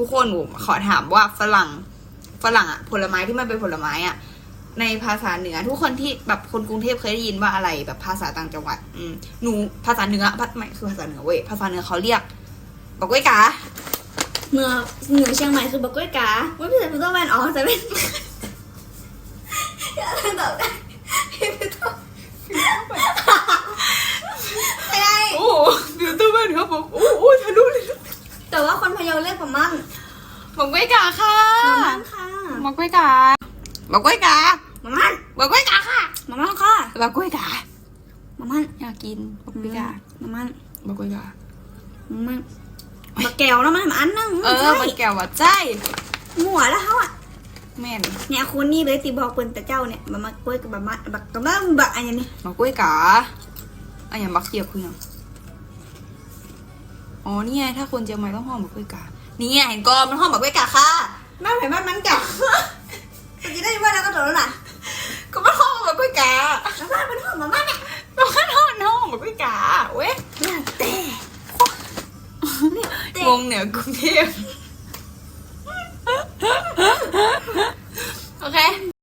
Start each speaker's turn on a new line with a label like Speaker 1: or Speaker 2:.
Speaker 1: ทุกคนหนูขอถามว่าฝรั่งอะผลไม้ที่มันเป็นผลไม้อะในภาษาเหนือทุกคนที่แบบคนกรุงเทพเคยได้ยินว่าอะไรแบบภาษาต่างจังหวัดหนูภาษาเหนือไม่คือภาษาเหนือเว้ยภาษาเหนือเขาเรียกบอกกล้วยกา
Speaker 2: เหนือเชียงใหม่คือบักกล้วยกาไม่ใช่พุทธแมนอ๋อแต่เป็นยังตอบได้ไม่ต้องอะไร
Speaker 1: โอ้เดี๋ยวตัวแม่เขาบอกโอ้ทะลุเลย
Speaker 2: แต่ว่าคนพะเยาเรียกประมั่ง
Speaker 1: บอกกล้วยกาค่ะ
Speaker 2: ประมั่งค่ะ
Speaker 1: บอกกล้วยกาบอกกล้วยกา
Speaker 2: ประมั่ง
Speaker 1: บอกกล้วยกาค่ะ
Speaker 2: ประมั่งค่ะ
Speaker 1: บอกกล้วยกา
Speaker 2: ประมั่ง
Speaker 1: อยากกินบอกกล้วยกา
Speaker 2: ประมั่ง
Speaker 1: บอกกล้วยกา
Speaker 2: ประมั่งบักแก้วแล้วมันอันนึง
Speaker 1: มันแก้วว่าใจ
Speaker 2: หัวแล้วเขาอ่ะ
Speaker 1: แม่น
Speaker 2: เนี่ยคนนี้เลยตีบอกเปิ้นแต่เจ้าเนี่ยมากล้วยกับบักอันนี้
Speaker 1: บอกกล้วยกาอันอย่างบักเกียบคืออย่างอ๋อนี่ไงถ้าคนเจียงใหม่ต้องห้องบอกกล้วยกานี่ไงเห็นกอมันห้องบอกกล้วยกาค่ะ
Speaker 2: แม่เห็นบ้านมันเก่าจะได้ว่าแล้วก็โดนแล้วล่ะ
Speaker 1: ก็มันห้องบอกกล้วยกา
Speaker 2: แล้วบ้านมันหอมมากเนี่ย
Speaker 1: มันห้องบอกกล้วยกาเว้ย
Speaker 2: แต่
Speaker 1: งงเหนือกรุงเทพโอเค